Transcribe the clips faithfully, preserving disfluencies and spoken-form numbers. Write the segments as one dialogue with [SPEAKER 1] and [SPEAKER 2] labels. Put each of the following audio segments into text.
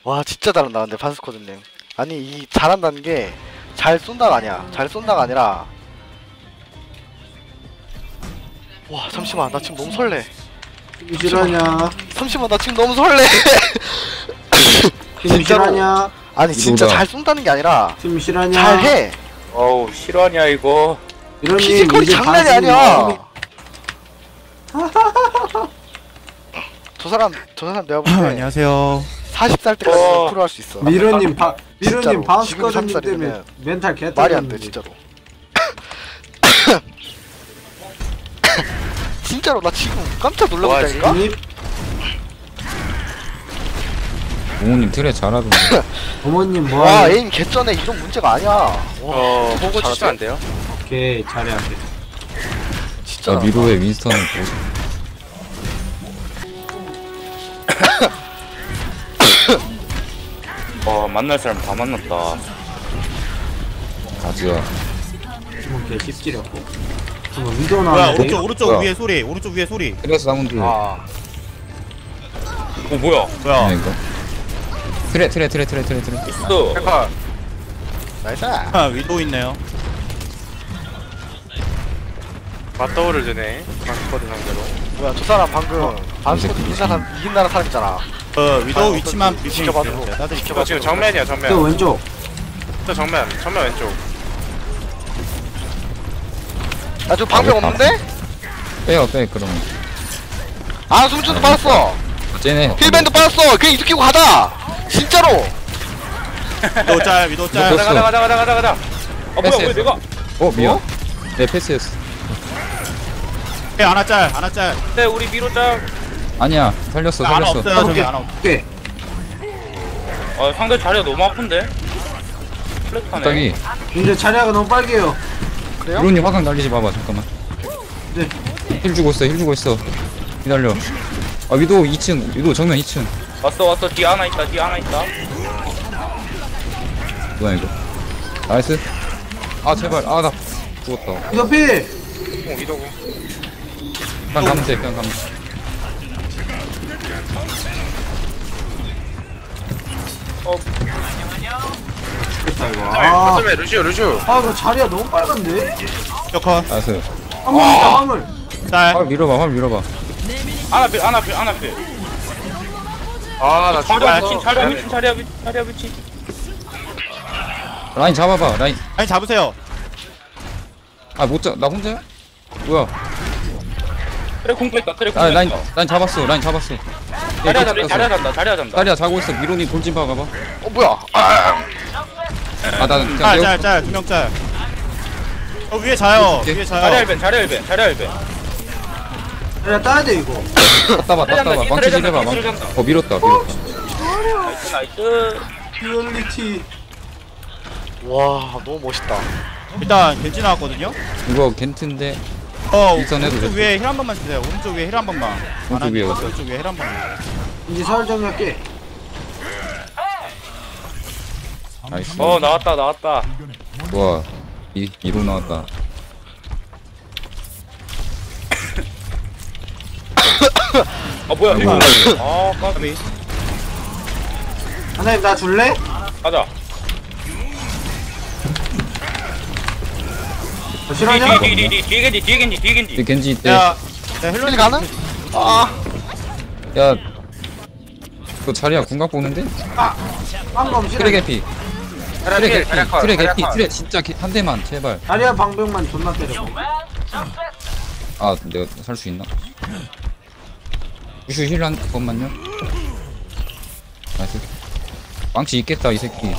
[SPEAKER 1] 와 진짜 잘한다 근데 반스코드님. 아니 이 잘한다는 게 잘 쏜다가 아니야. 잘 쏜다가 아니라 와 잠시만 나 지금 너무 설레.
[SPEAKER 2] 팀 실화냐?
[SPEAKER 1] 잠시만 나 지금 너무 설레.
[SPEAKER 2] 팀
[SPEAKER 1] 진짜로.
[SPEAKER 2] 실화냐?
[SPEAKER 1] 아니 진짜
[SPEAKER 3] 이거다.
[SPEAKER 1] 잘 쏜다는 게 아니라
[SPEAKER 2] 팀 실화냐?
[SPEAKER 1] 잘해.
[SPEAKER 4] 어우 실화냐 이거.
[SPEAKER 2] 이런
[SPEAKER 1] 피지컬이 장난이 아니야. 저 사람 저 사람 내가 볼 때
[SPEAKER 5] 안녕하세요.
[SPEAKER 1] 마흔 살 때까지
[SPEAKER 4] 어.
[SPEAKER 1] 프로 할 수 있어.
[SPEAKER 2] 미르님 바
[SPEAKER 1] 진짜로.
[SPEAKER 2] 미르님
[SPEAKER 1] 지금
[SPEAKER 2] 바운스커즈님
[SPEAKER 1] 삼십
[SPEAKER 2] 때문에
[SPEAKER 1] 살이면은
[SPEAKER 2] 멘탈 개
[SPEAKER 1] 말이 안 돼
[SPEAKER 2] 떨어졌는데.
[SPEAKER 1] 진짜로. 진짜로 나 지금 깜짝 놀라겠다니까?
[SPEAKER 2] 형님,
[SPEAKER 3] 부모님 트레 잘하던데.
[SPEAKER 2] 어머님
[SPEAKER 1] 와
[SPEAKER 2] 뭐하니?
[SPEAKER 1] 에임 개쩌네. 이런 문제가 아니야. 와
[SPEAKER 4] 어 보고
[SPEAKER 1] 잘하지?
[SPEAKER 4] 치면 안 돼요?
[SPEAKER 2] 오케이 잘해 안 돼.
[SPEAKER 1] 진짜
[SPEAKER 3] 나 미로의 윈스턴은 뭐
[SPEAKER 4] 어 만날 사람 다 만났다.
[SPEAKER 3] 가즈야.
[SPEAKER 2] 지금 개 씹지렸고. 지금 위도
[SPEAKER 5] 뭐야
[SPEAKER 2] 나왔는데.
[SPEAKER 5] 오른쪽 오른쪽
[SPEAKER 3] 뭐야?
[SPEAKER 5] 위에 소리 오른쪽 위에 소리.
[SPEAKER 3] 트레스 사운드.
[SPEAKER 1] 아
[SPEAKER 4] 어 뭐야?
[SPEAKER 5] 뭐야?
[SPEAKER 3] 네, 이거. 트레 트레 트레 트레 트레 트레.
[SPEAKER 4] 있어.
[SPEAKER 1] 잠깐 나이스.
[SPEAKER 5] 아 위도 있네요.
[SPEAKER 4] 맞더블을 주네. 방스쿼드 상대로.
[SPEAKER 1] 뭐야 저 사람 방금 반스코드 이긴 사람 이긴 나라 사람 있잖아.
[SPEAKER 5] 어 위도
[SPEAKER 1] 아,
[SPEAKER 5] 위치만
[SPEAKER 1] 어떤-
[SPEAKER 5] 브리핑
[SPEAKER 1] 지켜봐도.
[SPEAKER 5] 해주세요. 제가 따드릴게요.
[SPEAKER 1] 지켜봐.
[SPEAKER 4] 지금 정면이야
[SPEAKER 2] 저
[SPEAKER 4] 정면.
[SPEAKER 2] 왼쪽.
[SPEAKER 4] 저 정면 정면 왼쪽.
[SPEAKER 1] 나 지금 방벽
[SPEAKER 3] 아, 왜
[SPEAKER 1] 없는데?
[SPEAKER 3] 빼요 빼 그러면.
[SPEAKER 1] 아 숨줄도 빠졌어.
[SPEAKER 3] 쟤네.
[SPEAKER 1] 힐밴드 빠졌어. 그냥 이득 끼고 가자. 진짜로.
[SPEAKER 5] 위도 짤 위도 짤.
[SPEAKER 3] 위도
[SPEAKER 4] 가자 가자 가자 가자 가자 가자. 아 뭐야
[SPEAKER 3] 패스했어.
[SPEAKER 4] 왜 내가?
[SPEAKER 3] 어 미안. 네 패스했어.
[SPEAKER 5] 네, 하나 짤 하나 짤.
[SPEAKER 4] 네 우리 미로장.
[SPEAKER 3] 아니야 살렸어
[SPEAKER 5] 하나
[SPEAKER 3] 살렸어.
[SPEAKER 5] 없어요 저기 하나 없.
[SPEAKER 2] 오케이.
[SPEAKER 4] 아 상대 자리가 너무 아픈데. 플랫하네.
[SPEAKER 3] 갑자기
[SPEAKER 2] 이제 자리가 너무 빨개요.
[SPEAKER 1] 그래요?
[SPEAKER 3] 미로님 화강 날리지 마봐 잠깐만.
[SPEAKER 2] 네.
[SPEAKER 3] 힐 주고 있어 힐 주고 있어. 기다려. 아 위도 이 층 위도 정면 이 층.
[SPEAKER 4] 왔어 왔어 뒤 하나 있다 뒤 하나 있다.
[SPEAKER 3] 뭐야 이거. 나이스. 아 제발 아 나 죽었다.
[SPEAKER 2] 이거 필.
[SPEAKER 4] 어 이도구.
[SPEAKER 3] 그냥 가면 돼 그냥 가면 돼.
[SPEAKER 4] 어
[SPEAKER 2] 됐다 이거. 아,
[SPEAKER 4] 거점에 루시오 루시오.
[SPEAKER 2] 아 이거 자리가 너무 빨간데?
[SPEAKER 5] 컷.
[SPEAKER 3] 나이스.
[SPEAKER 2] 화물 있다 화물.
[SPEAKER 5] 짤.
[SPEAKER 3] 화물 밀어봐 화물 밀어봐.
[SPEAKER 4] 하나 필 하나 필 하나 필. 아나
[SPEAKER 5] 자리야,
[SPEAKER 4] 죽었어.
[SPEAKER 5] 친,
[SPEAKER 4] 자리야 미친 자리야 미 자리야 미친.
[SPEAKER 3] 라인 잡아봐 라인.
[SPEAKER 5] 아니 잡으세요.
[SPEAKER 3] 아 못 잡 나 혼자야? 뭐야.
[SPEAKER 4] 트랙 공포 있다 트랙
[SPEAKER 3] 아
[SPEAKER 4] 공포
[SPEAKER 3] 라인
[SPEAKER 4] 있다.
[SPEAKER 3] 라인 잡았어 라인 잡았어.
[SPEAKER 4] 자리야 잡다 자리야 잡다 자리야 잡다.
[SPEAKER 3] 다리야 자고 있어. 미로님 돌진 박아봐.
[SPEAKER 1] 어 뭐야?
[SPEAKER 3] 아나 그냥
[SPEAKER 5] 짤
[SPEAKER 3] 내가
[SPEAKER 5] 짤 짤 두 명 짤. 어 위에 자요
[SPEAKER 3] 오케이.
[SPEAKER 5] 위에
[SPEAKER 4] 자리야
[SPEAKER 5] 자요.
[SPEAKER 4] 일벤 자리야 일벤 자리야 일벤.
[SPEAKER 2] 자리가 따야 돼 이거.
[SPEAKER 3] 땄다 봐 땄다 봐. 망치 질 해봐 망치. 어 밀었다 밀었다.
[SPEAKER 4] 나이스 나이스.
[SPEAKER 2] 듀얼리티.
[SPEAKER 1] 와 너무 멋있다.
[SPEAKER 5] 일단 겐지 나왔거든요.
[SPEAKER 3] 이거 겐트인데
[SPEAKER 5] 어
[SPEAKER 3] 일선 해도
[SPEAKER 5] 오른쪽
[SPEAKER 3] 돼.
[SPEAKER 5] 위에 힐 한 번만 주세요. 오른쪽 위에 힐 한 번만.
[SPEAKER 3] 오른쪽 위에
[SPEAKER 5] 어디? 오른쪽 위에 힐 한 번만.
[SPEAKER 2] 이제 서울 정리할게.
[SPEAKER 3] 나이스.
[SPEAKER 4] 어 나왔다 나왔다.
[SPEAKER 3] 좋아. 이 이로 나왔다.
[SPEAKER 4] 아 뭐야
[SPEAKER 3] 아이고.
[SPEAKER 4] 이거. 아 까비.
[SPEAKER 2] 하나님 나 줄래?
[SPEAKER 4] 가자.
[SPEAKER 2] 저 실화냐?
[SPEAKER 4] 뒤 뒤 뒤 뒤 뒤에 겐지 뒤에 겐지 뒤에
[SPEAKER 3] 이
[SPEAKER 4] 겐지.
[SPEAKER 3] 겐지 있대.
[SPEAKER 5] 야, 야
[SPEAKER 1] 힐
[SPEAKER 5] 힐러님
[SPEAKER 1] 가능? 아
[SPEAKER 3] 야. 그 자리야 궁각 보는데?
[SPEAKER 2] 방금 실화.
[SPEAKER 3] 트레 개피. 트레 개피.
[SPEAKER 4] 자리야 컷,
[SPEAKER 3] 트레
[SPEAKER 4] 자리야
[SPEAKER 3] 개피.
[SPEAKER 4] 컷.
[SPEAKER 3] 트레 진짜 개, 한 대만 제발.
[SPEAKER 2] 자리야 방벽만 존나 때려.
[SPEAKER 3] 아 내가 살 수 있나? 우슈 힐 한 번만요. 나이스. 망치 있겠다 이 새끼.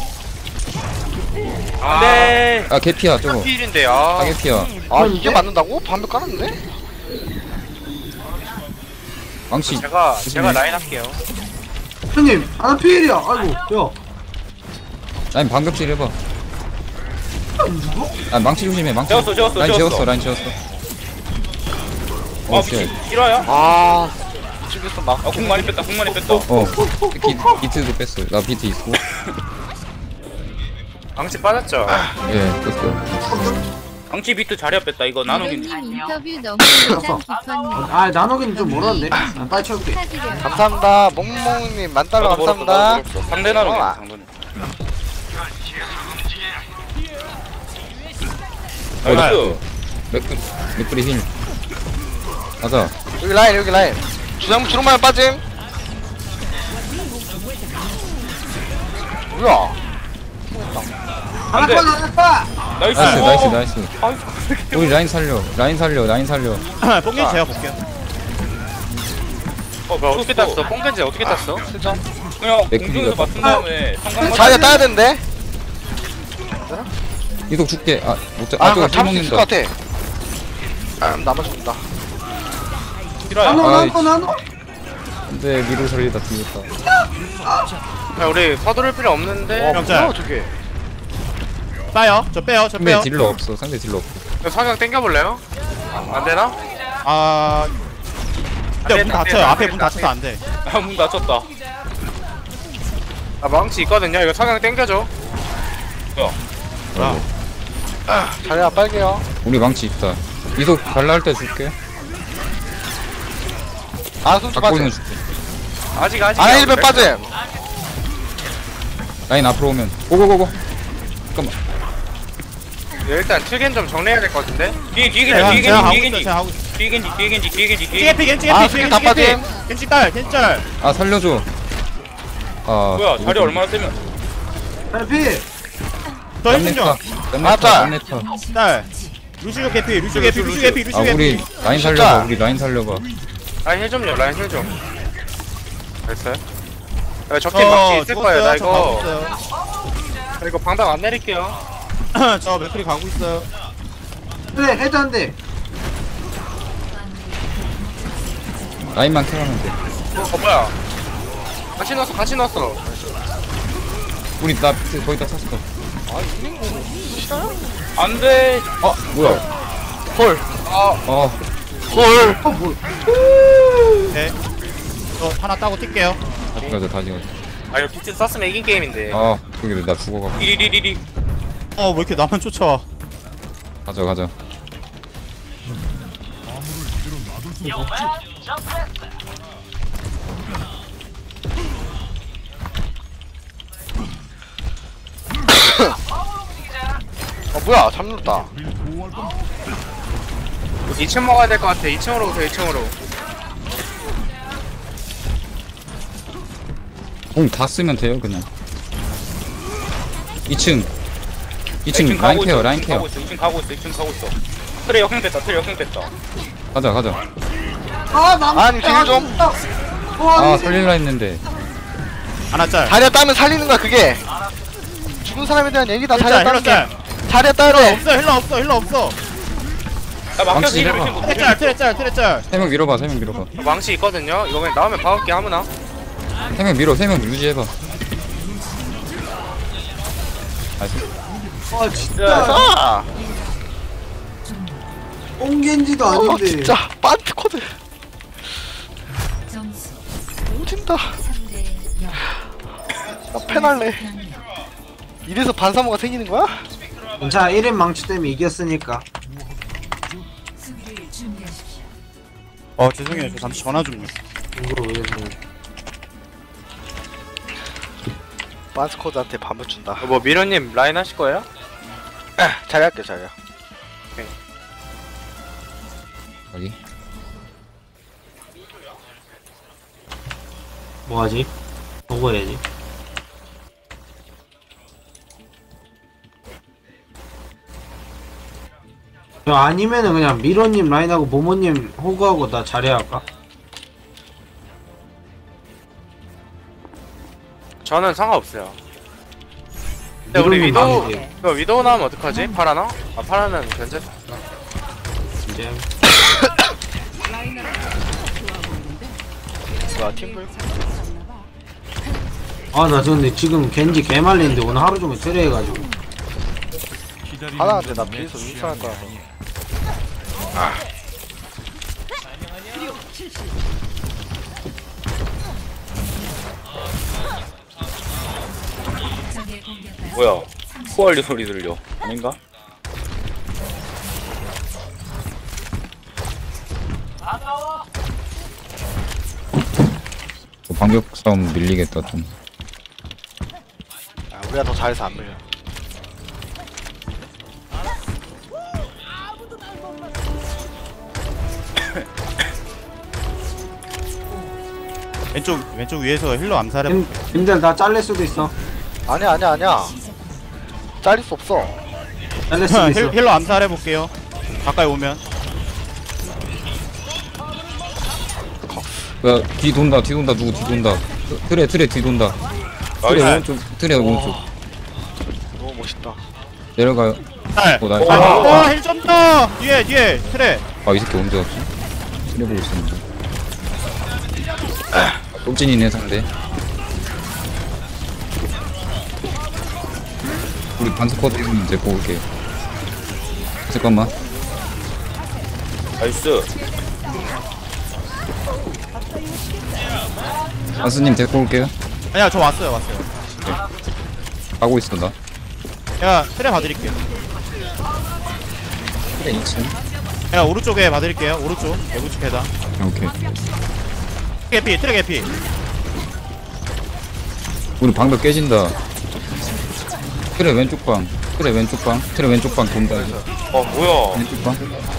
[SPEAKER 4] 안돼.
[SPEAKER 3] 아 개피야 저거.
[SPEAKER 4] 필인데
[SPEAKER 3] 아
[SPEAKER 4] 아.
[SPEAKER 3] 개피야.
[SPEAKER 1] 아 이게 맞는다고? 반벽 깔았는데?
[SPEAKER 3] 망치.
[SPEAKER 4] 제가
[SPEAKER 3] 조심해.
[SPEAKER 4] 제가 라인 할게요.
[SPEAKER 2] 형님 하나 필이야. 아이고 야.
[SPEAKER 3] 라인 반격질 해봐.
[SPEAKER 2] 누구?
[SPEAKER 3] 아 망치 조심해 망치.
[SPEAKER 4] 재웠어, 재웠어,
[SPEAKER 3] 라인
[SPEAKER 4] 재웠어.
[SPEAKER 3] 재웠어 라인 재웠어.
[SPEAKER 4] 아
[SPEAKER 3] 어
[SPEAKER 4] 미친.
[SPEAKER 3] 쉣.
[SPEAKER 4] 실화야?
[SPEAKER 1] 아 이쪽에서 막.
[SPEAKER 4] 아궁 많이 뺐다 궁 많이 뺐다.
[SPEAKER 3] 어. 비, 비트도 뺐어. 나 비트 있고.
[SPEAKER 4] 방치 빠졌죠?
[SPEAKER 3] 예 뺐어.
[SPEAKER 4] 방치 비트 자리 뺐다 이거 나누긴.
[SPEAKER 6] 님 인터뷰 너무 인상 깊었네요.
[SPEAKER 7] 아 나노긴 좀 멀었는데. 난 빨리 채울게.
[SPEAKER 6] 축하드려요.
[SPEAKER 1] 감사합니다. 몽몽님 만달러
[SPEAKER 4] 나도 멀었어,
[SPEAKER 1] 감사합니다.
[SPEAKER 4] 나도 멀었어. 상대 나누긴
[SPEAKER 1] 어,
[SPEAKER 4] 상대.
[SPEAKER 3] 어,
[SPEAKER 4] 나이스.
[SPEAKER 3] 맥프 맥프리 힐 가자.
[SPEAKER 1] 여기 라인 여기 라인. 주장 주름만 빠짐. 뭐야?
[SPEAKER 4] 안 돼. 나이스.
[SPEAKER 3] 나이스
[SPEAKER 4] 오.
[SPEAKER 3] 나이스 나이스. 우리 라인 살려 라인 살려 라인 살려.
[SPEAKER 5] 뽕겐지 제가 볼게요.
[SPEAKER 4] 어, 뭐야, 어떻게 땄어? 뽕겐지 어떻게 땄어? 진짜? 그냥
[SPEAKER 3] 맥크리가
[SPEAKER 4] 공중에서 맞춘 다음에 성광
[SPEAKER 1] 자리에 따야 되는데.
[SPEAKER 3] 이속 줄게. 아 못자.
[SPEAKER 1] 아
[SPEAKER 3] 아
[SPEAKER 1] 그럼
[SPEAKER 3] 저거
[SPEAKER 1] 잡을 수 있을
[SPEAKER 3] 먹는다.
[SPEAKER 1] 것 같아. 아 나만 죽는다.
[SPEAKER 4] 싫어요.
[SPEAKER 7] 나노
[SPEAKER 3] 아이,
[SPEAKER 7] 나노 나노.
[SPEAKER 3] 근데 미로 살리다 죽였다.
[SPEAKER 4] 야, 우리 서두를 필요 없는데.
[SPEAKER 1] 와
[SPEAKER 5] 명찰.
[SPEAKER 1] 뭐야 저게?
[SPEAKER 5] 빠요. 저 빼요. 저
[SPEAKER 3] 상대
[SPEAKER 5] 빼요.
[SPEAKER 3] 딜러 없어. 상대 딜러 없어.
[SPEAKER 4] 사격 땡겨볼래요? 안 되나?
[SPEAKER 5] 아. 근데 문
[SPEAKER 4] 안
[SPEAKER 5] 닫혀요.
[SPEAKER 4] 돼, 안
[SPEAKER 5] 앞에
[SPEAKER 4] 돼,
[SPEAKER 5] 문
[SPEAKER 4] 안
[SPEAKER 5] 닫혀서 안 돼.
[SPEAKER 4] 아, 문 닫혔다. 아, 망치 있거든요. 이거 사격 땡겨줘. 뭐야?
[SPEAKER 1] 자리야 빨개요.
[SPEAKER 3] 우리 망치 있다. 이속 발라 할 때 줄게.
[SPEAKER 1] 아 손수
[SPEAKER 3] 갖고
[SPEAKER 1] 빠짐.
[SPEAKER 3] 있는 줄게.
[SPEAKER 4] 아직, 아직.
[SPEAKER 1] 아 힐백 빠짐.
[SPEAKER 3] 라인 앞으로 오면 고고고고. 잠깐만.
[SPEAKER 4] 일단 칠겐 좀 정리해야 될 것 같은데? 뒤에, 뒤에
[SPEAKER 5] 제가
[SPEAKER 4] 겐지,
[SPEAKER 5] 제가 하고
[SPEAKER 4] 뒤에
[SPEAKER 5] 있어요.
[SPEAKER 4] 겐지,
[SPEAKER 5] 제가 하고 있어요.
[SPEAKER 4] 뒤에 겐지, 뒤에 겐지, 뒤에 겐지, 뒤에
[SPEAKER 5] 겐지
[SPEAKER 4] 겐지.
[SPEAKER 5] 겐지
[SPEAKER 1] 아,
[SPEAKER 5] 겐지
[SPEAKER 1] 스킬
[SPEAKER 5] 겐지
[SPEAKER 1] 다
[SPEAKER 5] 겐지
[SPEAKER 1] 빠짐.
[SPEAKER 5] 겐지 딸 겐지 딸.
[SPEAKER 3] 아 살려줘. 아
[SPEAKER 4] 뭐야, 자리 얼마나 세면.
[SPEAKER 7] 빨리.
[SPEAKER 5] 더 힘좀 줘.
[SPEAKER 1] 맞다.
[SPEAKER 3] 넷네터.
[SPEAKER 5] 딸. 루시오 개피 루시오 개피 루시오 개피 루시오
[SPEAKER 3] 아
[SPEAKER 5] 개피.
[SPEAKER 3] 우리 라인
[SPEAKER 1] 진짜.
[SPEAKER 3] 살려봐. 우리 라인 살려봐.
[SPEAKER 4] 라인 힐 좀요, 라인 힐 좀. 됐어요? 야, 적팀
[SPEAKER 5] 저
[SPEAKER 4] 망치 있을 거예요, 나
[SPEAKER 5] 죽었어요. 저 가고
[SPEAKER 4] 이거.
[SPEAKER 5] 있어요.
[SPEAKER 4] 나 이거 방당 안 내릴게요.
[SPEAKER 5] 저 맥클이 가고 있어요.
[SPEAKER 7] 그래 해도 안 돼.
[SPEAKER 3] 라인만 캐라면 돼.
[SPEAKER 4] 어, 뭐야. 같이 넣었어, 같이 넣었어.
[SPEAKER 3] 우리 나 비트 거의 다 찼어.
[SPEAKER 4] 안 돼.
[SPEAKER 3] 아 뭐야?
[SPEAKER 1] 헐.
[SPEAKER 3] 어
[SPEAKER 1] 헐.
[SPEAKER 7] 어 뭐?
[SPEAKER 5] 네. 저 하나 따고 뛸게요.
[SPEAKER 3] 다시 가자 다시 가자.
[SPEAKER 4] 아, 이거 비트 썼으면 이긴 게임인데.
[SPEAKER 3] 아 그게 나 죽어가.
[SPEAKER 4] 리리리리리.
[SPEAKER 5] 어 왜 이렇게 나만 쫓아와?
[SPEAKER 3] 가자 가자.
[SPEAKER 1] 어 뭐야 잠들었다.
[SPEAKER 4] 이 층 먹어야 될 것 같아. 이 층으로 오세요, 이 층으로.
[SPEAKER 3] 공 다 쓰면 돼요 그냥. 이 층. 이 층
[SPEAKER 4] 층
[SPEAKER 3] 라인
[SPEAKER 4] 가고
[SPEAKER 3] 케어
[SPEAKER 4] 있어,
[SPEAKER 3] 라인
[SPEAKER 4] 이 층
[SPEAKER 3] 케어.
[SPEAKER 4] 가고 있어, 이 층 가고 있어, 이 층 가고 있어. 트레 역행 뺐다, 트레 역행 뺐다.
[SPEAKER 3] 가자 가자.
[SPEAKER 7] 아 남.
[SPEAKER 1] 아니 딜 좀.
[SPEAKER 3] 아 살릴라 했는데.
[SPEAKER 5] 하나 짤.
[SPEAKER 1] 자리에 따면 살리는 거야 그게. 죽은 사람에 대한 얘기다. 자리에
[SPEAKER 5] 힐 짤,
[SPEAKER 1] 따는
[SPEAKER 5] 힐러 짤.
[SPEAKER 1] 게. 자리에 따야
[SPEAKER 5] 힐러
[SPEAKER 1] 돼.
[SPEAKER 5] 없어 힐러 없어 힐러 없어.
[SPEAKER 4] 나 막혔어,
[SPEAKER 3] 망치
[SPEAKER 4] 이러면
[SPEAKER 3] 해봐.
[SPEAKER 4] 못
[SPEAKER 5] 트레 짤 트레 짤 트레 짤.
[SPEAKER 3] 세 명 밀어봐 세 명 밀어봐.
[SPEAKER 4] 망치 있거든요. 이거 그냥 나오면 박을게 아무나.
[SPEAKER 3] 세 명 밀어 세 명 유지해봐. 나이스.
[SPEAKER 7] 아 진짜.
[SPEAKER 1] 아.
[SPEAKER 7] 뽕겐지도
[SPEAKER 1] 어
[SPEAKER 7] 아닌데.
[SPEAKER 1] 진짜 반트 코드.
[SPEAKER 6] 점수
[SPEAKER 1] 오진다.
[SPEAKER 6] 삼 대 영.
[SPEAKER 1] 나 패날래. 이래서 반사모가 생기는 거야?
[SPEAKER 7] 자 일 인 망치 때문에 이겼으니까.
[SPEAKER 6] 수비를 준비하십시오.
[SPEAKER 5] 어 죄송해요. 저 잠시 전화 좀요.
[SPEAKER 7] 이거 왜 그래?
[SPEAKER 1] 반스 코드한테 반을 준다.
[SPEAKER 4] 뭐 미련님 라인 하실 거예요?
[SPEAKER 1] 자리할게 자리야.
[SPEAKER 3] 여기.
[SPEAKER 7] 뭐하지? 보고 해야지. 야, 아니면은 그냥 미로님 라인하고 모모님 호구하고 나 잘해야 할까?
[SPEAKER 4] 저는 상관없어요. 근데 우리
[SPEAKER 7] 미로님
[SPEAKER 4] 위도우,
[SPEAKER 7] 망이지.
[SPEAKER 4] 이거 위도우 나오면 어떡하지? 파라나? 아, 파라는 견제?
[SPEAKER 7] 이제
[SPEAKER 1] 뭐야 팀블?
[SPEAKER 7] 아 나 근데 지금 겐지 개말리는데 오늘 하루 종일 트레 해가지고
[SPEAKER 1] 하나한테 나 비해서 윈스할 거라서.
[SPEAKER 6] 적의 공격까지
[SPEAKER 4] 뭐야? 후얼리 소리 들려. 아닌가?
[SPEAKER 3] 반격 싸움 밀리겠다 좀.
[SPEAKER 1] 아, 우리가 더 잘해서 안 밀려.
[SPEAKER 5] 왼쪽 왼쪽 위에서 힐러 암살해.
[SPEAKER 7] 님, 님들 나 잘릴 수도 있어.
[SPEAKER 1] 아니야 아니야 아니야. 잘릴 수 없어.
[SPEAKER 7] 잘릴 수도 있어.
[SPEAKER 5] 힐, 힐러 암살해 볼게요. 가까이 오면.
[SPEAKER 3] 야, 뒤 돈다, 뒤 돈다, 누구 뒤 돈다. 트레, 트레 뒤 돈다. 트레
[SPEAKER 4] 나이스.
[SPEAKER 3] 오른쪽, 트레 오른쪽.
[SPEAKER 1] 너무 멋있다.
[SPEAKER 3] 내려가요.
[SPEAKER 5] 짤.
[SPEAKER 3] 오, 나,
[SPEAKER 5] 와, 힐 좀 더. 뒤에 뒤에 트레.
[SPEAKER 3] 아, 이 새끼 언제 왔지? 트레 보고 있었는데. 똥진이네, 상대. 우리 반스쿼드 있으면 데리고 올게. 잠깐만.
[SPEAKER 4] 나이스.
[SPEAKER 3] 안스님 데리고 올게요.
[SPEAKER 5] 아니야, 저 왔어요, 왔어요.
[SPEAKER 3] 가고 있어, 나.
[SPEAKER 5] 야, 트레 봐드릴게요.
[SPEAKER 3] 트레 이 층.
[SPEAKER 5] 야, 오른쪽에 봐드릴게요. 오른쪽, 오른쪽 계단.
[SPEAKER 3] 오케이.
[SPEAKER 5] 개피, 트레 개피.
[SPEAKER 3] 우리 방벽 깨진다. 트레 왼쪽 방. 트레 왼쪽 방. 트레 왼쪽 방 돈다. 이제.
[SPEAKER 4] 어 뭐야?
[SPEAKER 3] 왼쪽 방.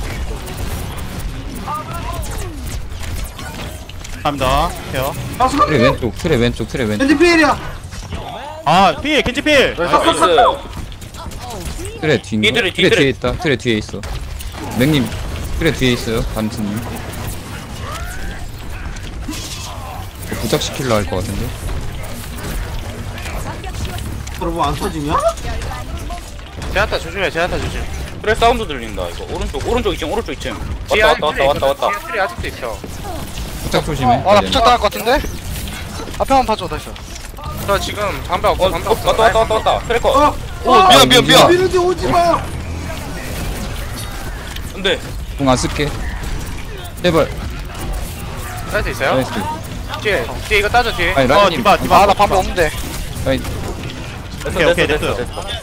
[SPEAKER 5] 갑니다. 케어.
[SPEAKER 3] 트레 왼쪽. 트레 왼쪽. 트레 왼쪽.
[SPEAKER 7] 겐지 피일이야.
[SPEAKER 5] 아, 필, 겐지 필.
[SPEAKER 4] 나이스.
[SPEAKER 3] 트레 뒤인가?
[SPEAKER 4] 뒤들이,
[SPEAKER 3] 트레
[SPEAKER 4] 뒤들이.
[SPEAKER 3] 뒤에 있다. 트레 뒤에 있어. 맥님 트레 뒤에 있어요. 반스님. 부착시킬라 할 것 같은데.
[SPEAKER 7] 여러분 안 터지냐?
[SPEAKER 4] 제한타 조심해. 제한타 조심. 그래 사운드 들린다. 이거 오른쪽 오른쪽 이 층 오른쪽 이 층. 왔다 왔다 왔다 왔다 왔다. 트리 아직도 있어.
[SPEAKER 3] 부착 조심해.
[SPEAKER 1] 아 나 부착 당할 것 같은데? 앞에만 봐줘 다시.
[SPEAKER 4] 저 지금 담배 없어. 담배 없어. 왔다 왔다 왔다 왔다. 트래커.
[SPEAKER 7] 어,
[SPEAKER 1] 오 미안 미안 미안.
[SPEAKER 7] 미르지 오지 마.
[SPEAKER 4] 근데
[SPEAKER 3] 궁안 쓸게. 제발.
[SPEAKER 4] 사이트 있어요?
[SPEAKER 3] 나이스.
[SPEAKER 4] 뒤에 뒤에 이거 따져 뒤에.
[SPEAKER 3] 아니
[SPEAKER 5] 어,
[SPEAKER 3] 라인님.
[SPEAKER 5] 디바, 디바.
[SPEAKER 1] 아나 방법 없는데.
[SPEAKER 3] 아니
[SPEAKER 5] 오케이, 오케이, 됐어요.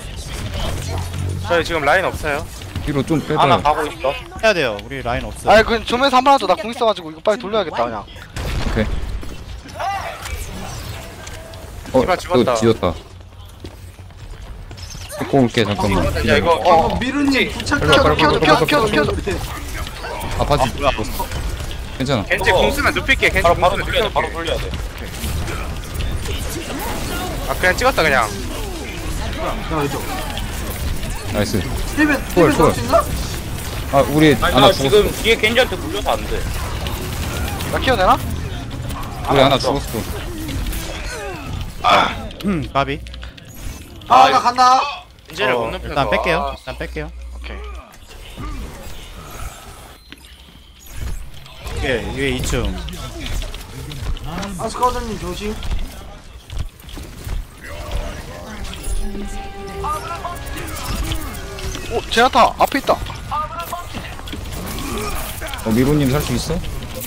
[SPEAKER 4] 저희 지금 라인 없어요.
[SPEAKER 3] 뒤로 좀
[SPEAKER 4] 하나
[SPEAKER 3] 빼봐.
[SPEAKER 4] 가고 있어.
[SPEAKER 5] 해야 돼요. 우리 라인 없어.
[SPEAKER 1] 아니 그 좀에서 한 번 하자. 나 공 있어가지고 이거 빨리 돌려야겠다 그냥.
[SPEAKER 3] 오케이. 어,
[SPEAKER 4] 디바 집었다.
[SPEAKER 3] 또 지었다. 데리고 올게 잠깐만.
[SPEAKER 4] 야 이거
[SPEAKER 1] 어.
[SPEAKER 7] 어, 미르님 부착
[SPEAKER 3] 빨리, 빨리,
[SPEAKER 1] 켜줘 켜줘 켜줘 켜줘.
[SPEAKER 3] 아 바지. 괜찮아.
[SPEAKER 4] 겐지 공 쓰면 눕힐게. 겐지 바로 바로 돌려야 돼. 바로 돌려야 돼. 아 그냥 찍었다 그냥.
[SPEAKER 7] 야 이거.
[SPEAKER 3] 나이스.
[SPEAKER 7] 힐벤
[SPEAKER 3] 초월,
[SPEAKER 7] 힐벤
[SPEAKER 3] 초월.
[SPEAKER 7] 잡수 있나?
[SPEAKER 3] 아 우리
[SPEAKER 4] 아니
[SPEAKER 3] 하나
[SPEAKER 4] 나
[SPEAKER 3] 죽었어.
[SPEAKER 4] 지금 뒤에 겐지한테 물려서 안 돼.
[SPEAKER 1] 나 키워 되나?
[SPEAKER 3] 우리 하나
[SPEAKER 4] 없어.
[SPEAKER 3] 죽었어.
[SPEAKER 5] 음, 바비.
[SPEAKER 7] 아 나 간다.
[SPEAKER 4] 겐지를
[SPEAKER 1] 어,
[SPEAKER 4] 못 눕혀서.
[SPEAKER 5] 일단 뺄게요.
[SPEAKER 4] 아,
[SPEAKER 5] 일단 뺄게요.
[SPEAKER 1] 오케이.
[SPEAKER 5] 위에, 위에 이 층.
[SPEAKER 7] 아스카우더님 조심.
[SPEAKER 1] 오 제나타 앞에 있다.
[SPEAKER 3] 어 미로님 살 수 있어?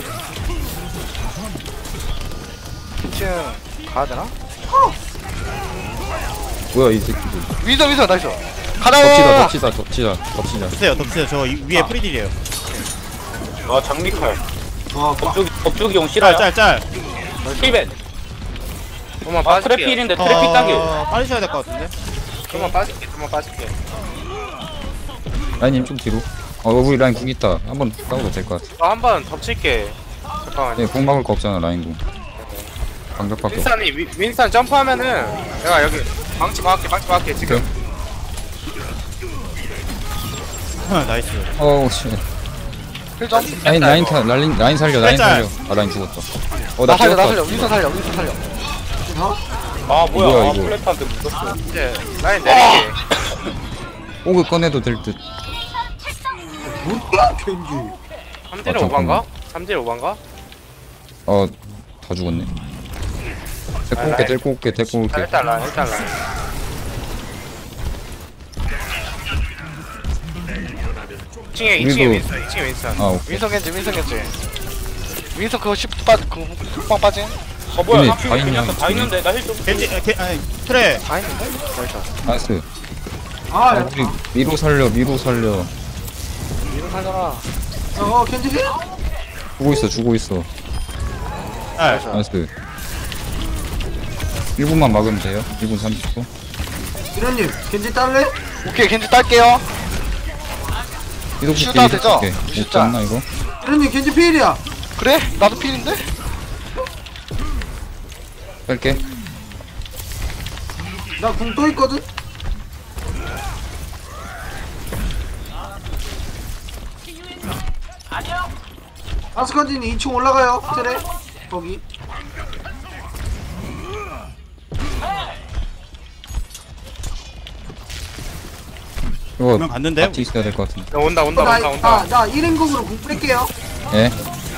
[SPEAKER 1] 이 층 가야 되나?
[SPEAKER 3] 뭐야 이 새끼들.
[SPEAKER 1] 위선 위선 나이스.
[SPEAKER 3] 덮치다
[SPEAKER 1] 가자.
[SPEAKER 3] 덮치다 덮치다 덮치자.
[SPEAKER 5] 덮으세요, 덮으세요. 저 이- 위에 프리딜이에요.
[SPEAKER 4] 아 장미칼.
[SPEAKER 7] 와
[SPEAKER 4] 법조기 법조기용
[SPEAKER 5] 짤,
[SPEAKER 4] 실화야.
[SPEAKER 5] 짤, 짤.
[SPEAKER 4] 힐벤. 그만 아 트래필인데 트래픽 당겨.
[SPEAKER 5] 어, 빨리 쳐야 될 것 같은데.
[SPEAKER 4] 그만 빠질게. 그만 빠질게.
[SPEAKER 3] 라인님 좀 뒤로. 어 우리 라인 궁 있다. 한번 싸워도 될 것 같아.
[SPEAKER 4] 나 한 번 덮칠게. 잠깐만요.
[SPEAKER 3] 네, 궁 막을 거 없잖아 라인 궁. 방벽밖에 없어.
[SPEAKER 4] 윈스턴이 위- 윈스턴 점프하면은 내가 여기 방치 막을게. 방치 막을게 지금.
[SPEAKER 5] 나이스.
[SPEAKER 3] 어우 씨.
[SPEAKER 1] 힐점.
[SPEAKER 3] 라인 라인 타 라인 라인 살려 라인
[SPEAKER 5] 살짝.
[SPEAKER 3] 살려. 아 라인 죽었다.
[SPEAKER 1] 나
[SPEAKER 3] 어나
[SPEAKER 1] 살려 나
[SPEAKER 3] 죽었다.
[SPEAKER 1] 살려. 위선 살려 위선 살려.
[SPEAKER 4] 아 뭐야?
[SPEAKER 3] 뭐야,
[SPEAKER 4] 아
[SPEAKER 3] 이거.
[SPEAKER 4] 플랫한테 묻었어. 이제 라인 내릴게.
[SPEAKER 3] 오그 꺼내도 될 듯.
[SPEAKER 7] 뭐야 겐지.
[SPEAKER 4] 삼 대
[SPEAKER 3] 아,
[SPEAKER 4] 오반가? 삼 대 오반가?
[SPEAKER 3] 어 다 죽었네. 데리고 올게
[SPEAKER 4] 라인.
[SPEAKER 3] 데리고 올게 데리고 올게.
[SPEAKER 4] 일단 라인 일단 라인. 이 층에 이 층에
[SPEAKER 3] 우리도-
[SPEAKER 4] 윈스턴 이 층에 윈스턴.
[SPEAKER 3] 아 오케이.
[SPEAKER 1] 윈선 겐지 윈선 겐지. 윈선 그거 십 빠그 흑방 빠진.
[SPEAKER 4] 어 뭐야?
[SPEAKER 3] 근데
[SPEAKER 4] 다
[SPEAKER 3] 다 있냐,
[SPEAKER 4] 다
[SPEAKER 3] 이쪽에?
[SPEAKER 4] 있는데 나 힐 좀.
[SPEAKER 5] 겐지, 아, 게, 아니, 트레.
[SPEAKER 1] 다 있는데? 나이스.
[SPEAKER 3] 나이스.
[SPEAKER 7] 아
[SPEAKER 3] 아,
[SPEAKER 7] 야.
[SPEAKER 3] 우리 미로 살려 미로 살려.
[SPEAKER 1] 위선 살려라.
[SPEAKER 7] 어 겐지 힐.
[SPEAKER 3] 주고 있어 주고 있어.
[SPEAKER 5] 짤.
[SPEAKER 3] 나이스. 일 분만 막으면 돼요. 일 분 삼십 초.
[SPEAKER 7] 미로님 겐지 딸래?
[SPEAKER 1] 오케이 겐지 딸게요.
[SPEAKER 3] 이동
[SPEAKER 1] 슈
[SPEAKER 3] 볼게,
[SPEAKER 1] 따도
[SPEAKER 3] 이동
[SPEAKER 1] 되죠?
[SPEAKER 3] 볼게.
[SPEAKER 1] 슈
[SPEAKER 3] 못 잡나, 이거?
[SPEAKER 7] 미로님 겐지 필이야.
[SPEAKER 1] 그래? 나도 필인데?
[SPEAKER 3] 뺄게.
[SPEAKER 7] 나 궁 또 있거든. 아스카딘이 이 층 올라가요. 트레 거기.
[SPEAKER 3] 이거
[SPEAKER 5] 그러면 갔는데?
[SPEAKER 3] 같이 있어야 될 것 같은데.
[SPEAKER 4] 야, 온다 온다 온다 온다.
[SPEAKER 7] 나, 나 일 인공으로 궁 뺄게요.
[SPEAKER 3] 예?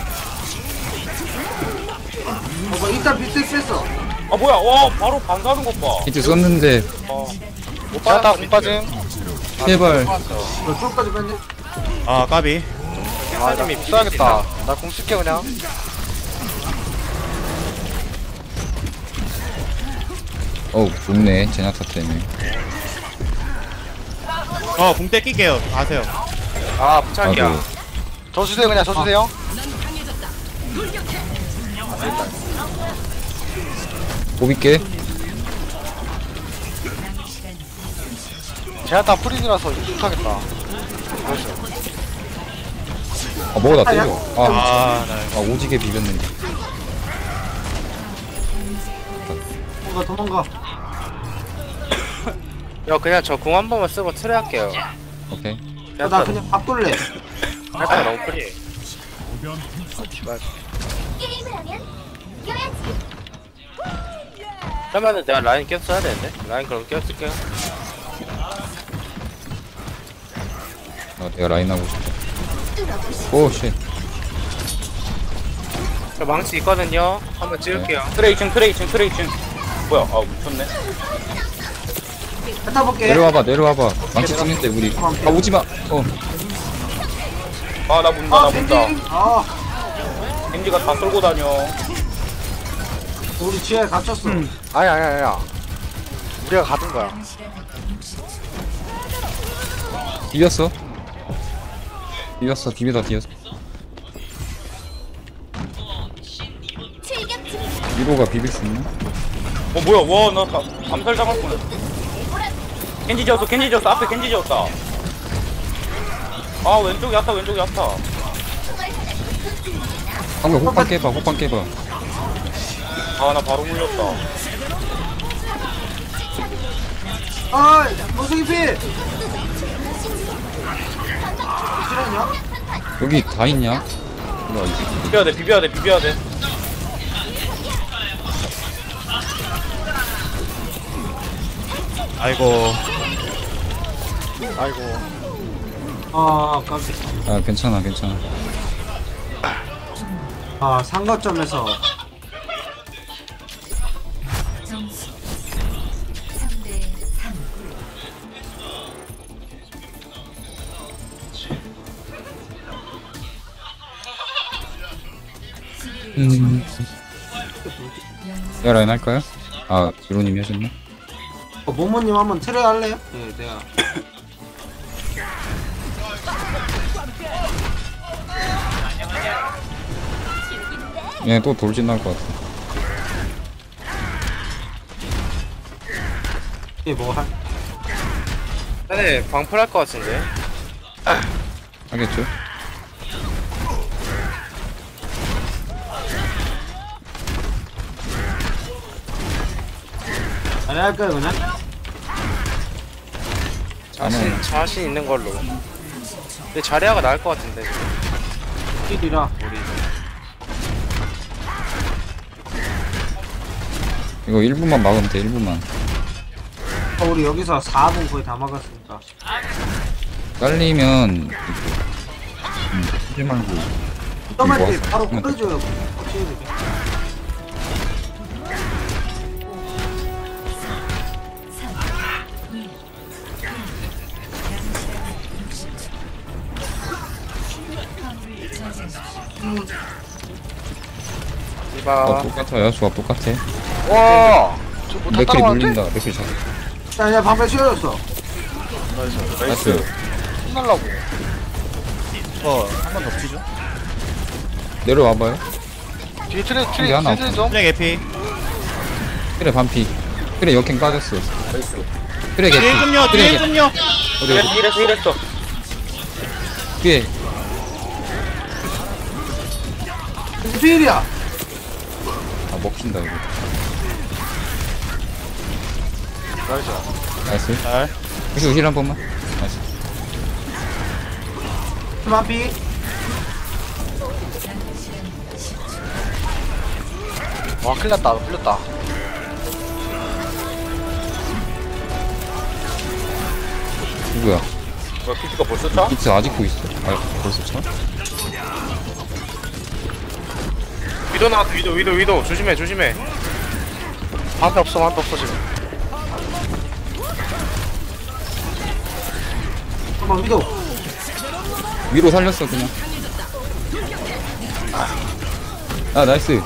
[SPEAKER 7] 어, 뭐 일단 비트 뺐어.
[SPEAKER 4] 아 뭐야? 와 바로 반사하는 것 봐.
[SPEAKER 3] 히트 썼는데,
[SPEAKER 4] 어. 못
[SPEAKER 1] 제아타
[SPEAKER 4] 받았다
[SPEAKER 1] 공 빠짐.
[SPEAKER 3] 제발.
[SPEAKER 7] 너 쪽까지 뺐네.
[SPEAKER 5] 아 까비.
[SPEAKER 1] 아, 나공 써야겠다. 나 공 쓸게 그냥.
[SPEAKER 3] 어우, 좋네. 제나타 때문에.
[SPEAKER 5] 어궁 떼낄게요. 가세요.
[SPEAKER 4] 아 부착이야.
[SPEAKER 3] 아이고.
[SPEAKER 1] 저 주세요 그냥 저 주세요.
[SPEAKER 3] 뽑을게.
[SPEAKER 1] 제아타 프리즈라서 이거 못하겠다.
[SPEAKER 3] 아, 뭐가 나 때려. 아,
[SPEAKER 5] 아나
[SPEAKER 3] 아, 오지게 비볐는데.
[SPEAKER 7] 뭔가 도망가.
[SPEAKER 4] 야 그냥 저 공 한 번만 쓰고 트레 할게요.
[SPEAKER 3] 오케이.
[SPEAKER 7] 야, 나 그냥 바꿀래.
[SPEAKER 4] 약간 너무 프리. 그러면은 내가 라인 껴 써야 되는데? 라인 그럼 껴 쓸게요.
[SPEAKER 3] 아, 내가 라인 하고 싶다. 오, 쉣.
[SPEAKER 4] 저 망치 있거든요. 한번 찍을게요. 트레 이 층 트레 이 층 트레 이 층. 뭐야? 아 묻혔네.
[SPEAKER 7] 뱉어 볼게.
[SPEAKER 3] 내려와봐, 내려와봐. 망치 찍는데, 우리. 아, 오지마. 어.
[SPEAKER 4] 아 나 문다
[SPEAKER 7] 아,
[SPEAKER 4] 나
[SPEAKER 7] 겐지.
[SPEAKER 4] 문다.
[SPEAKER 7] 아,
[SPEAKER 4] 겐지가 다 쏠고 다녀.
[SPEAKER 7] 우리 지하에 갇혔어.
[SPEAKER 1] 아니 아니 아니야. 우리가 가둔 거야.
[SPEAKER 3] 비볐어. 비볐어, 비비다 뒤였어. 위로가 비빌 수 있나?
[SPEAKER 4] 어 뭐야? 와나 암살 당할 뻔. 겐지 지었어 겐지 지었어 앞에 겐지 지었다. 아 왼쪽이 왔다 왼쪽이 왔다.
[SPEAKER 3] 방금 호빵 깨봐, 호빵 깨봐.
[SPEAKER 4] 아 나 바로 물렸다.
[SPEAKER 7] 아, 원숭이 필. 실화냐?
[SPEAKER 3] 여기 다 있냐? 뭐야, 이게.
[SPEAKER 4] 비벼야 돼 비벼야 돼 비벼야 돼.
[SPEAKER 5] 아이고.
[SPEAKER 1] 아이고.
[SPEAKER 7] 아, 깜짝.
[SPEAKER 3] 아, 괜찮아, 괜찮아.
[SPEAKER 7] 아, 상가점에서
[SPEAKER 6] 점수 삼 대 삼.
[SPEAKER 3] 음. 내가 라인 할까요? 아, 이로님이 하셨나?
[SPEAKER 7] 어, 모모님 한번 트레 할래요? 네, 내가.
[SPEAKER 3] 얘 또 돌진 나올 것 같아.
[SPEAKER 7] 이게 뭐 할?
[SPEAKER 4] 네 방풀 할 것 같은데.
[SPEAKER 3] 하겠죠?
[SPEAKER 7] 아니 할까요 그냥?
[SPEAKER 4] 자신 자신 있는 걸로. 근데 자리아가 나을 것 같은데.
[SPEAKER 7] 필이라.
[SPEAKER 3] 이거 일 분만 막으면 돼, 일 분만.
[SPEAKER 7] 어, 우리 여기서 사 분 거의 다 막았으니까.
[SPEAKER 3] 깔리면, 이거, 음, 하지 말고.
[SPEAKER 7] 점할 때
[SPEAKER 3] 모아서
[SPEAKER 7] 바로
[SPEAKER 3] 하면 돼.
[SPEAKER 7] 끊어줘요. 확실히 되게.
[SPEAKER 4] 이봐.
[SPEAKER 3] 어, 똑같아요, 조합 똑같아.
[SPEAKER 1] 와. 저뭐 다
[SPEAKER 3] 맥클이
[SPEAKER 1] 따라가는데?
[SPEAKER 3] 물린다, 맥클이 잡
[SPEAKER 7] 야, 야, 방패 씌워줬어.
[SPEAKER 3] 나이스.
[SPEAKER 1] 혼날라고.
[SPEAKER 5] 어한 번 덮치죠.
[SPEAKER 3] 내려와봐요.
[SPEAKER 1] 뒤에 트레
[SPEAKER 3] 이게
[SPEAKER 1] 트레
[SPEAKER 3] 하나
[SPEAKER 1] 트레 좀.
[SPEAKER 5] 트랙 에피.
[SPEAKER 3] 트레 반피. 트레 역행 빠졌어. 트레 개피.
[SPEAKER 5] 뒤에 좀요
[SPEAKER 3] 트레
[SPEAKER 5] 뒤에
[SPEAKER 3] 개피.
[SPEAKER 5] 좀요.
[SPEAKER 3] 어디
[SPEAKER 4] 이랬어
[SPEAKER 3] 어디.
[SPEAKER 4] 이랬어 이랬어.
[SPEAKER 3] 뒤에.
[SPEAKER 7] 필이야.
[SPEAKER 3] 아 먹힌다 이거.
[SPEAKER 1] 나이스.
[SPEAKER 3] 나이스.
[SPEAKER 5] 잘.
[SPEAKER 3] 혹시 힐한 번만. 나이스.
[SPEAKER 7] 마피.
[SPEAKER 1] 와 큰일났다. 풀렸다.
[SPEAKER 3] 누구야?
[SPEAKER 4] 뭐야 피지가 벌써 차?
[SPEAKER 3] 이츠 아직도 있어. 아 벌써 차?
[SPEAKER 4] 위도 나왔어 위도 위도 위도 조심해 조심해.
[SPEAKER 1] 방패 없어. 방패 없어 지금.
[SPEAKER 7] 한번 위도.
[SPEAKER 3] 위로 살렸어 그냥. 아 나이스.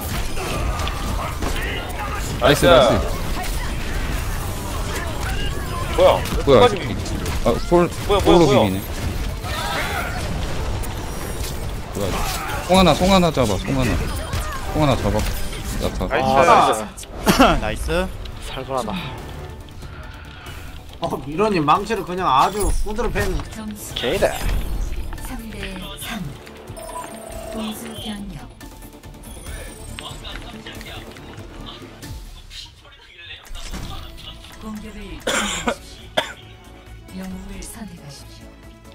[SPEAKER 3] 나이스 나이스.
[SPEAKER 4] 뭐야?
[SPEAKER 3] 뭐야?
[SPEAKER 4] 끝까지
[SPEAKER 3] 저기. 아 솔,
[SPEAKER 4] 뭐야, 뭐야,
[SPEAKER 3] 솔로
[SPEAKER 4] 뭐야.
[SPEAKER 3] 비비네. 뭐야? 송 하나, 송 하나 잡아, 송 하나. 송 하나 잡아. 야타.
[SPEAKER 4] 나이스.
[SPEAKER 5] 아, 나이스.
[SPEAKER 1] 살벌하다.
[SPEAKER 7] 어 미로님 망치를 그냥 아주 후드로 팬.
[SPEAKER 6] 점수
[SPEAKER 1] 개이다.
[SPEAKER 6] 삼 대 삼. 공수 변경. 공격을 준비하십시오. 영웅을 선택하십시오.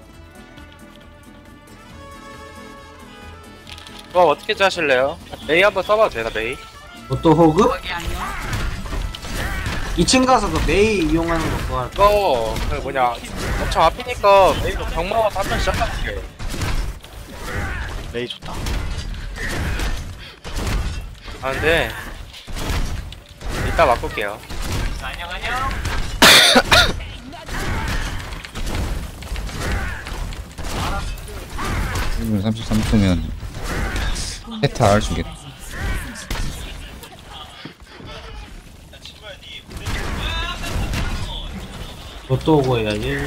[SPEAKER 4] 뭐 어떻게 짜실래요? 메이 한번 써봐도 되나 메이?
[SPEAKER 7] 또 호그? 이 층 가서 그 메이 이용하는 거 그거 할까?
[SPEAKER 4] 이거 그 뭐냐 엄청 앞이니까 메이로 경마가 한번 시작할게.
[SPEAKER 1] 메이 좋다.
[SPEAKER 4] 아 근데 이따 바꿀게요.
[SPEAKER 3] 일 분 삼십삼 초면 헤타 알 주겠다.
[SPEAKER 7] 또 오고 해야지.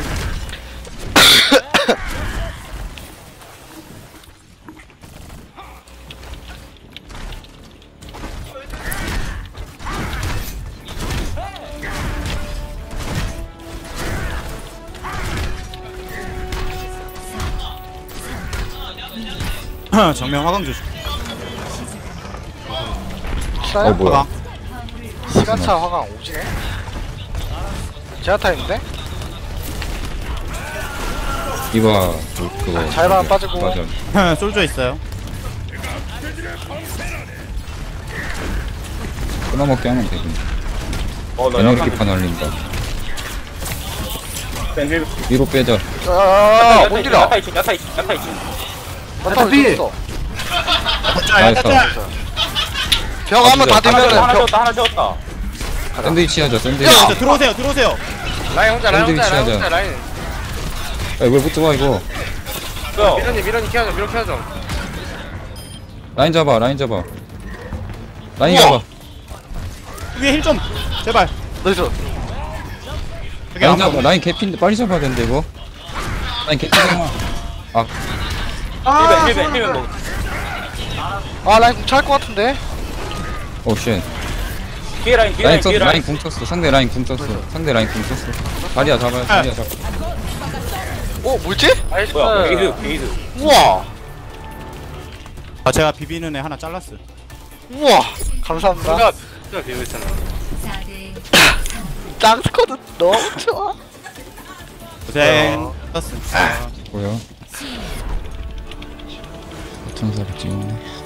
[SPEAKER 5] 정면 화강 조심.
[SPEAKER 1] 실화야?
[SPEAKER 3] 어 뭐야?
[SPEAKER 5] 화강.
[SPEAKER 1] 시간차 화강 오지네? 제아타 있는데?
[SPEAKER 3] 이봐 그, 그거.
[SPEAKER 1] 잘만 빠지고.
[SPEAKER 3] 맞아.
[SPEAKER 5] 솔져 있어요.
[SPEAKER 3] 끊어먹게 하면 되군.
[SPEAKER 4] 어나
[SPEAKER 3] 에너지 판 날린다. 위로 빼자.
[SPEAKER 1] 야야야야 뭔 일이야?
[SPEAKER 4] 야타 이층 야타 이층 야타 이층.
[SPEAKER 1] 나타 왜 있어?
[SPEAKER 3] 나이스.
[SPEAKER 1] 벽 한번 다
[SPEAKER 4] 하나
[SPEAKER 1] 되면은
[SPEAKER 4] 채웠다 하나
[SPEAKER 1] 벽.
[SPEAKER 4] 채웠다 하나 채웠다.
[SPEAKER 3] 샌드위치 하자 샌드위치.
[SPEAKER 5] 들어오세요 들어오세요 들어오세요.
[SPEAKER 4] 라인 혼자 라인 혼자
[SPEAKER 3] 샌드위치
[SPEAKER 4] 라인
[SPEAKER 3] 하자.
[SPEAKER 4] 혼자 라인.
[SPEAKER 3] 야왜 붙어와 이거.
[SPEAKER 4] 미련이 미련이 키워줘 미련 키워줘.
[SPEAKER 3] 라인 잡아 라인 잡아. 라인
[SPEAKER 1] 우와.
[SPEAKER 3] 잡아.
[SPEAKER 5] 위에 힐 좀. 제발.
[SPEAKER 1] 나이스.
[SPEAKER 5] 여기
[SPEAKER 3] 라인
[SPEAKER 5] 안
[SPEAKER 3] 잡아. 라인 개피인데 빨리 잡아야 되는데 이거. 라인 개피잖아. 아
[SPEAKER 7] 아,
[SPEAKER 4] 힐벤 힐벤 힐벤 뭐.
[SPEAKER 1] 아 라인 궁찰 것 같은데?
[SPEAKER 3] 오 쉣.
[SPEAKER 4] 뒤에 라인 뒤에
[SPEAKER 3] 라인
[SPEAKER 4] 라인
[SPEAKER 3] 썼어
[SPEAKER 4] 뒤에
[SPEAKER 3] 라인
[SPEAKER 4] 라인.
[SPEAKER 3] 궁 쳤어. 상대 라인 궁 쳤어. 상대 라인 궁 쳤어. 다리야 잡아요. 다리야 잡아.
[SPEAKER 1] 어 뭐지?
[SPEAKER 4] 나이스. 뭐야 게이드 게이드.
[SPEAKER 1] 우와.
[SPEAKER 5] 아 제가 비비는 애 하나 잘랐어.
[SPEAKER 1] 우와. 감사합니다.
[SPEAKER 4] 누가 누가 비고 있잖아.
[SPEAKER 6] 사 대
[SPEAKER 1] 짱스쿼드 너무 좋아.
[SPEAKER 5] 고생. 떴음.
[SPEAKER 3] 뭐야? 천사를 찍네.